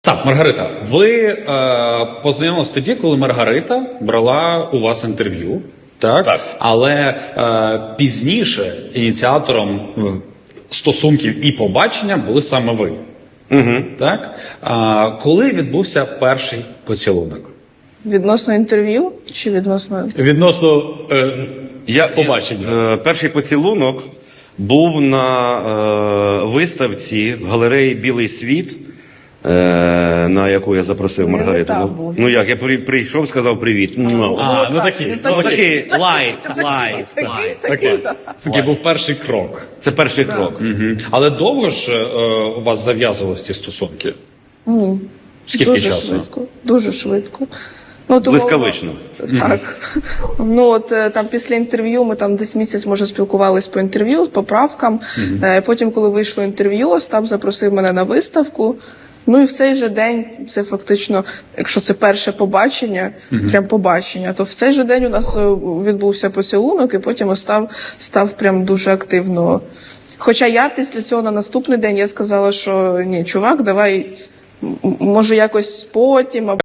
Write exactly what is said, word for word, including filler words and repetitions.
Так, Маргарита, ви е, познайомилися тоді, коли Маргарита брала у вас інтерв'ю, так? Так. Але е, пізніше ініціатором е, стосунків і побачення були саме ви. Угу. Так? Е, коли відбувся перший поцілунок? Відносно інтерв'ю чи відносно. Відносно е, Я, побачення. Е, перший поцілунок був на е, виставці в галереї «Білий світ», е, на яку я запросив Не Маргариту. там Ну, був. ну як, я при, прийшов, сказав привіт. Ну, А, ну так, такий. ну, ну, такий такий, лайт, такий, лайт, такий, лайт. такий, Окей. так. Це такий був перший крок. Це перший крок. Угу. Але довго ж е, у вас зав'язувалися ці стосунки? Ні. Скільки Дуже часу? швидко. Дуже швидко. Ну, тому- Блискавично. Так. Ну от е, там після інтерв'ю ми там десь місяць, може, спілкувались по інтерв'ю, по правкам. Е, Потім, коли вийшло інтерв'ю, Остап запросив мене на виставку. Ну і в цей же день, це фактично, якщо це перше побачення, прям побачення, то в цей же день у нас е, відбувся поцілунок, і потім Остап став прям дуже активно. Хоча я після цього на наступний день я сказала, що ні, чувак, давай, м- може якось потім, або